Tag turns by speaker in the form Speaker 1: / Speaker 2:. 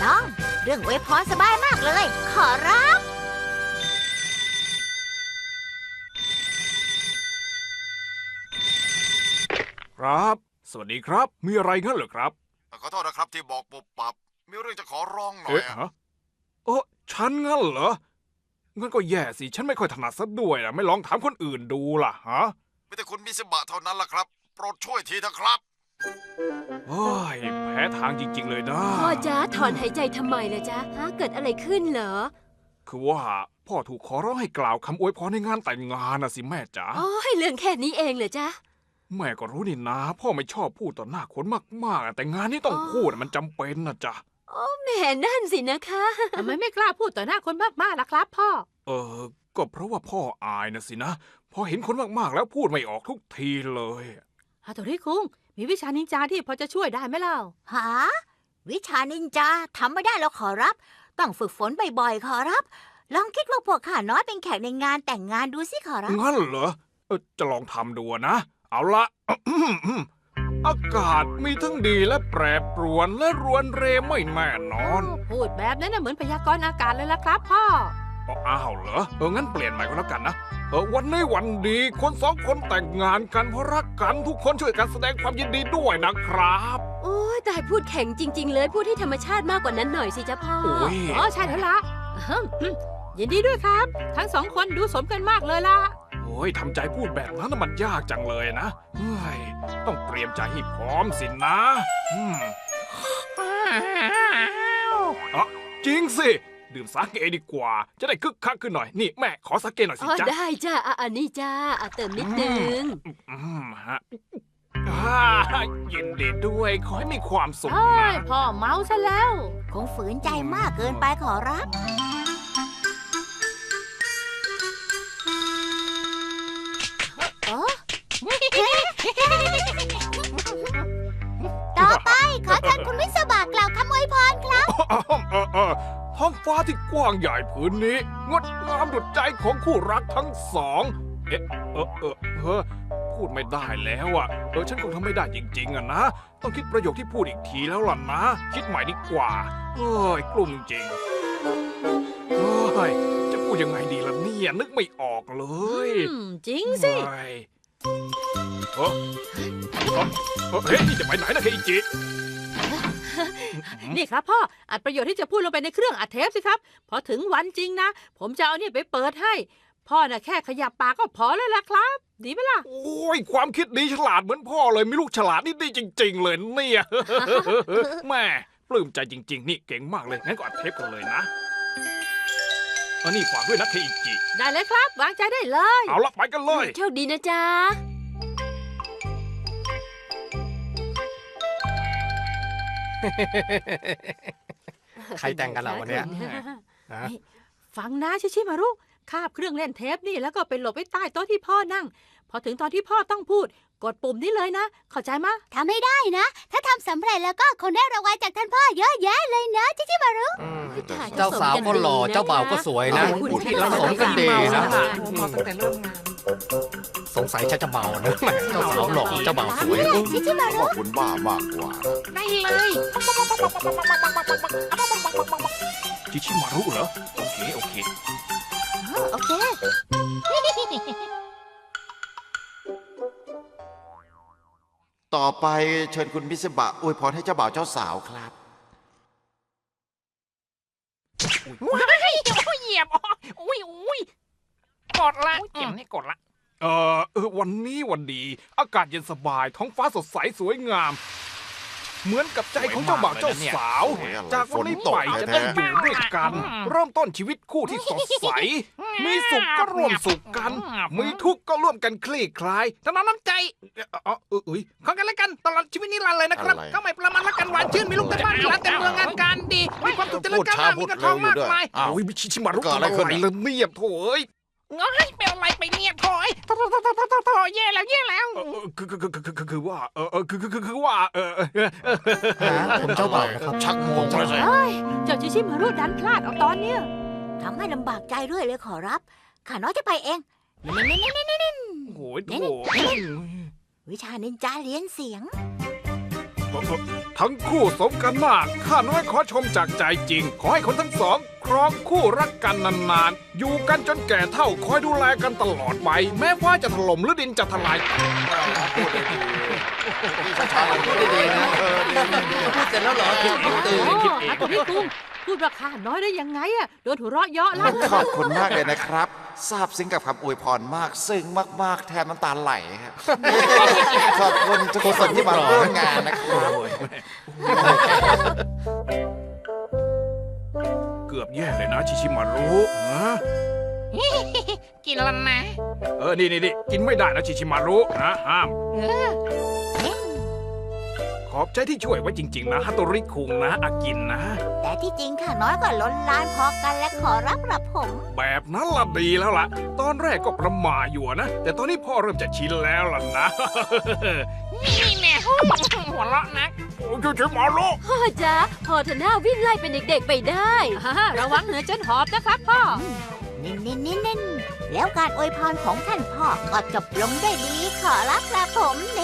Speaker 1: ต้องเรื่องอวยพรสบายมากเลย ขอรับ
Speaker 2: ครับ สวัสดีครับ มีอะไรงั้นเหรอครับ
Speaker 3: ขอโทษนะครับที่บอกปุบปับมีเรื่องจะขอร้องหน่อย
Speaker 2: ฮะฉันงั้นเหรอ งั้นก็แย่สิ ฉันไม่ค่อยถนัดซะด้วยนะไม่ลองถามคนอื่นดูล่ะฮะ
Speaker 3: ไม่แต่คุณมิสบะเท่านั้นล่ะครับ โปรดช่วยทีเถอะครับ
Speaker 2: โอ้ยแพ้ทางจริงๆเลยนะ
Speaker 4: พ่อจ๊ะถอนหายใจทำไมล่ะจ๊ะฮะเกิดอะไรขึ้นเหรอ
Speaker 2: คือว่าพ่อถูกขอร้องให้กล่าวคำอวยพรในงานแต่งงานนะสิแม่จ๋า
Speaker 4: อ๋อเรื่องแค่นี้เองเหรอจ๊ะ
Speaker 2: แม่ก็รู้นี่นะ พ่อไม่ชอบพูดต่อหน้าคนมากๆแต่งานนี้ต้องพูดมันจำเป็นนะจ๊ะ
Speaker 4: แหม่นั่นสินะคะ
Speaker 5: ทำไมไม่กล้าพูดต่อหน้าคนมากๆล่ะครับพ่อ
Speaker 2: ก็เพราะว่าพ่ออายนะสินะ พอเห็นคนมากๆแล้วพูดไม่ออกทุกทีเลย
Speaker 5: ฮาโตริคุงมีวิชานินจาที่พอจะช่วยได้ไหมเล่า
Speaker 1: หา วิชานินจาทำไม่ได้แล้วขอรับ ต้องฝึกฝนบ่อยๆขอรับ ลองคิดว่าพวกข้าน้อยเป็นแขกในงานแต่งงานดูสิขอรับ
Speaker 2: งั้นเหรอจะลองทำดูนะ เอาละ อากาศมีทั้งดีและแปรปรวนและรวนเรไม่แน่นอน
Speaker 5: พูดแบบนั้นน่ะเหมือนพยากรณ์อากาศเลยล่ะครับพ่อ
Speaker 2: อ้าวเหรองั้นเปลี่ยนใหม่ก็แล้วกันนะวันนี้วันดีคนสองคนแต่งงานกันเพราะรักกันทุกคนช่วยกันแสดงความยินดีด้วยนะครับ
Speaker 4: โอ้ยตายพูดแข็งจริง ๆ เลยพูดให้ธรรมชาติมากกว่านั้นหน่อยสิจ๊ะพ่อ
Speaker 2: โอ้ย
Speaker 5: อ๋อใช่แล้วล่ะยินดีด้วยครับ ทั้งสองคนดูสมกันมากเลยล่ะ
Speaker 2: โอ้ยทำใจพูดแบบนั้นน่ะมันยากจังเลยนะเฮ้ยต้องเตรียมใจให้พร้อมสินะจริงสิ ดื่มสาเกดีกว่า จะได้คึกคักขึ้นหน่อย นี่แม่ขอสาเกหน่อยสิ
Speaker 4: อ๋อ
Speaker 2: จ๊ะ
Speaker 4: ได้จ้าอันนี้จ้าเติมนิดนึง
Speaker 2: ฮะยินดีด้วย ขอให้มีความสุข
Speaker 5: เอ้
Speaker 2: นะ
Speaker 5: ยพ่อเมาซะแล้ว
Speaker 1: คงฝืนใจมากเกินไปขอรับ ต่อไปขอเชิญคุณวิศวะกล่าวคำอวยพรครับ
Speaker 2: ท้องฟ้าที่กว้างใหญ่ผืนนี้ งดงามดุจใจของคู่รักทั้งสอง พูดไม่ได้แล้วอ่ะฉันคงทำไม่ได้จริงๆอ่ะนะ ต้องคิดประโยคที่พูดอีกทีแล้วล่ะนะ คิดใหม่ดีกว่ากลุ่มจริงจะพูดยังไงดีล่ะเนี่ยนึกไม่ออกเลย
Speaker 5: จริงสิ
Speaker 2: เฮ้ยนี่จะไปไหนนะเคอิจิ
Speaker 5: นี่ครับพ่ออัดประโยชน์ที่จะพูดลงไปในเครื่องอัดเทปสิครับ พอถึงวันจริงนะ ผมจะเอาเนี่ยไปเปิดให้ พ่อน่ะแค่ขยับปากก็พอแล้วล่ะครับ ดีไหมล่ะ
Speaker 2: โอ้ยความคิดดีฉลาดเหมือนพ่อเลยมีลูกฉลาดนี่ดีจริง ๆ เลยเนี่ย แม่ปลื้มใจจริง ๆ นี่เก่งมากเลยงั้นก็อัดเทปกันเลยนะนี่ฝากด้วยนะเคอิจิ
Speaker 5: ได้เลยครับ วางใจได้เลย
Speaker 2: เอาละไปกันเลย
Speaker 4: โชคดีนะจ๊ะ
Speaker 6: ใครแต่งกันเหรอวันเนี้ย ฮะ
Speaker 5: ฟังนะชิชิมารุคาบเครื่องเล่นเทปนี่แล้วก็ไปหลบไว้ใต้โต๊ะที่พ่อนั่ง พอถึงตอนที่พ่อต้องพูด กดปุ่มนี้เลยนะ เข้าใจมะ
Speaker 1: ทำให้ได้นะ ถ้าทำสำเร็จแล้วก็คงได้รางวัลจากท่านพ่อเยอะแยะเลยนะจิจิมารุ
Speaker 6: เจ้าสาวก็หล่อเจ้าบ่าวก็สวยนะ
Speaker 4: คุณที่
Speaker 6: ผสมกันดีนะ
Speaker 7: มาตั้งแต่เริ่มงาน
Speaker 6: สงสัยฉันจะเมานะแหมเจ้าสาวหล่อเจ้าบ่าวสวย
Speaker 1: จิจิมารุ
Speaker 3: ว่าคุณบ้ามากกว่า
Speaker 7: ได้เลย
Speaker 2: จิชิมารุเหรอโอเค
Speaker 1: โอเค
Speaker 3: ต่อไปเชิญคุณมิสบะอวยพรให้เจ้าบ่าวเจ้าสาวครับ
Speaker 7: ว้ายโอ้ยเหยียบอุ้ยกดละเจ็บนี่กดละ
Speaker 2: วันนี้วันดี อากาศเย็นสบาย ท้องฟ้าสดใสสวยงาม เหมือนกับใจของเจ้าบ่าวเจ้าสาว
Speaker 3: สวยมากเลยนะเนี่ย
Speaker 2: จากวันนี้ไปจะได้อยู่ด้วยกัน เริ่มต้นชีวิตคู่ที่สดใส มีสุขก็ร่วมสุขกัน มีทุกข์ก็ร่วมกันคลี่คลาย
Speaker 7: ถนอมน้ำใจของกันและกันตลอดชีวิตนิรันดร์เลยนะครับ
Speaker 3: อะไร
Speaker 7: ก็ไม่ประมาณรักกันหวานชื่นมีลูกเต็มบ้านมีร้านเต็มเมืองงานการดีมีความสุขเจริญก้าวหน้ามีเงินทองมากมาย
Speaker 3: อ้าว
Speaker 2: โอ้ยมิชิมารุ
Speaker 3: เกิดอะไรขึ้น
Speaker 2: เลยเนี่ยโถ่เอ้ย
Speaker 7: ง้อยเป็นอะไรไปเนี่ยถอยโถแย่แล้ว
Speaker 2: คือว่าคือว่า
Speaker 6: คุณเจ้าบ่าวนะครับ
Speaker 3: ชักงงเลยสิ
Speaker 5: เฮ้ย เจ้าชิชิมารุดันพลาดเอาตอนเนี้ย
Speaker 1: ทำให้ลำบากใจด้วยเลยขอรับ ข้าน้อยจะไปเองนี่
Speaker 2: โอ้ยโถ่
Speaker 1: วิชานินจาเรียนเสียง
Speaker 2: ทั้งคู่สมกันมากข้าน้อยขอชมจากใจจริง ขอให้คนทั้งสอง ครองคู่รักกันนานๆ อยู่กันจนแก่เท่าคอยดูแลกันตลอดไป แม้ฟ้าจะถล่มหรือดินจะทลาย
Speaker 3: พูดได้ดีพี่ชายพูดได้ดีนะ
Speaker 6: พูดเสร็จแล้วเหรอตื่น
Speaker 5: โอ้ฮัตโตริคุงพูดว่าข้าน้อยได้ยังไงอะโดนหัวเราะเยาะลั่น
Speaker 3: ขอบคุณมากเลยนะครับซาบซึ้งกับคำอวยพรมาก ซึ้งมากๆ แทนน้ำตาไหลครับขอบคุณทุกคนที่มาร่วมงานนะครับ
Speaker 2: เกือบแย่เลยนะชิชิมารุฮะ
Speaker 7: กินแล้วนะ
Speaker 2: นี่กินไม่ได้นะชิชิมารุนะห้าม ขอบใจที่ช่วยไว้จริง ๆ นะฮัตโตริคุงนะอากินนะ
Speaker 1: แต่ที่จริงข้าน้อยก็ล้นลานพอกันและขอรับกระผม
Speaker 2: แบบนั้นละดีแล้วล่ะ ตอนแรกก็ประหม่าอยู่นะ แต่ตอนนี้พ่อเริ่มจะชินแล้วล่ะนะ
Speaker 7: นี่แน่หัวเราะนัก
Speaker 2: โอ้ยชิมารุ
Speaker 4: พ่อจ๊ะพอเถอะหน้าวิ่งไล่เป็นเด็กๆไปได้
Speaker 5: ระวังเหนือจนหอบนะครับพ่อ
Speaker 1: นิ่นๆๆๆแล้วการอวยพรของท่านพ่อก็จบลงด้วยดีขอรับกระผมเ